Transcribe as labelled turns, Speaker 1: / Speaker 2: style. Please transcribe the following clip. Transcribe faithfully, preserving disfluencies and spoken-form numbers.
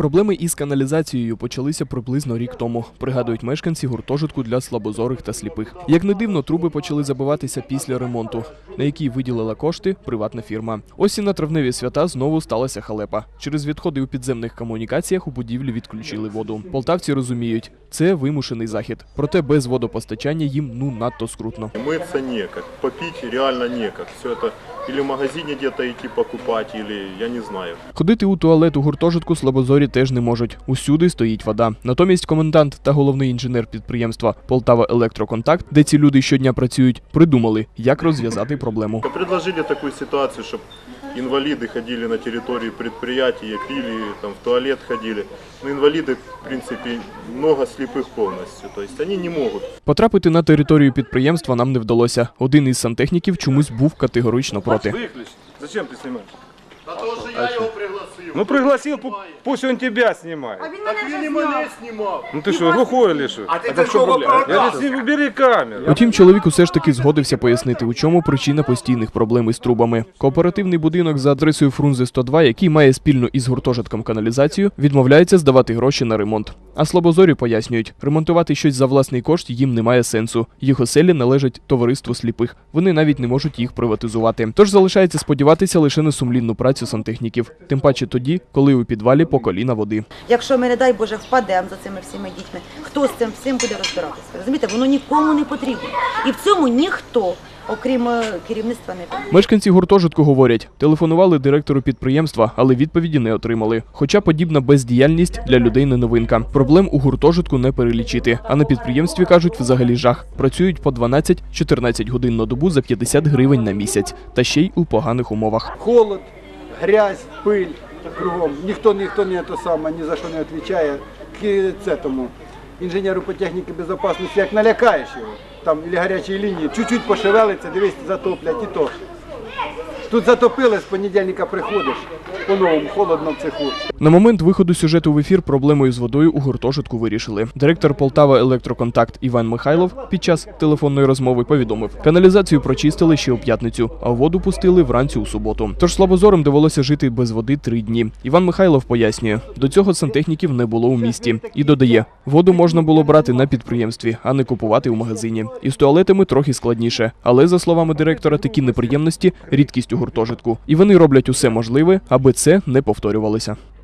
Speaker 1: Проблеми із каналізацією почалися приблизно рік тому, пригадують мешканці гуртожитку для слабозорих та сліпих. Як не дивно, труби почали забиватися після ремонту, на який виділила кошти приватна фірма. Ось і на травневі свята знову сталася халепа. Через відходи у підземних комунікаціях у будівлі відключили воду. Полтавці розуміють, це вимушений захід. Проте без водопостачання їм ну надто скрутно.
Speaker 2: Митися ніяк, попити реально ніяк. Все це або в магазині десь йти покупати, або я не знаю.
Speaker 1: Ходити у туалет у гуртожитку слабозорі теж не можуть. Усюди стоїть вода. Натомість комендант та головний інженер підприємства «Полтава Електроконтакт», де ці люди щодня працюють, придумали, як розв'язати проблему.
Speaker 2: Предложили таку ситуацію, щоб інваліди ходили на території підприємства, пили, там, в туалет ходили. Но інваліди, в принципі, много сліпих повністю, тобто вони не можуть.
Speaker 1: Потрапити на територію підприємства нам не вдалося. Один із сантехніків чомусь був категорично проти.
Speaker 3: Виключ. Зачем ти знімаєш?
Speaker 2: А то, що я його пригласив.
Speaker 3: Ну пригласив, пусть він тебе знімає.
Speaker 2: А він і мене знімав.
Speaker 3: Ну ти що, глухой или що?
Speaker 2: А ти це що,
Speaker 3: Я не убери камеру.
Speaker 1: Утім, чоловік усе ж таки згодився пояснити, у чому причина постійних проблем із трубами. Кооперативний будинок за адресою Фрунзе сто два, який має спільну із гуртожитком каналізацію, відмовляється здавати гроші на ремонт. А слабозорі пояснюють, ремонтувати щось за власний кошт їм немає сенсу. Їх оселі належать товариству сліпих. Вони навіть не можуть їх приватизувати. Тож залишається сподіватися лише на сумлінну працю сантехніків. Тим паче тоді, коли у підвалі по коліна води.
Speaker 4: Якщо ми, не дай Боже, впадемо за цими всіми дітьми, хто з цим всім буде розбиратися? Розумієте, воно нікому не потрібно. І в цьому ніхто, окрім керівництва, не потрібен.
Speaker 1: Мешканці гуртожитку говорять, телефонували директору підприємства, але відповіді не отримали. Хоча подібна бездіяльність для людей не новинка. Проблем у гуртожитку не перелічити. А на підприємстві, кажуть, взагалі жах. Працюють по дванадцять-чотирнадцять годин на добу за п'ятдесят гривень на місяць. Та ще й у поганих умовах.
Speaker 5: Холод, грязь, пиль кругом. Ніхто, ніхто не то саме, ні за що не відповідає. К цьому інженеру по техніці безпечності, як налякаєш його, там, або гарячої лінії, чуть-чуть пошевелиться, дивись, затоплять і то. Тут затопили, з понедільника приходиш, по-новому, холодно в цеху.
Speaker 1: На момент виходу сюжету в ефір проблемою з водою у гуртожитку вирішили. Директор «Полтава Електроконтакт» Іван Михайлов під час телефонної розмови повідомив, каналізацію прочистили ще у п'ятницю, а воду пустили вранці у суботу. Тож слабозорим довелося жити без води три дні. Іван Михайлов пояснює, до цього сантехніків не було у місті. І додає, воду можна було брати на підприємстві, а не купувати у магазині. І з туалетами трохи складніше. Але, за словами директора, такі неприємності – рідкість у гуртожитку. І вони роблять усе можливе, аби це не повторювалося.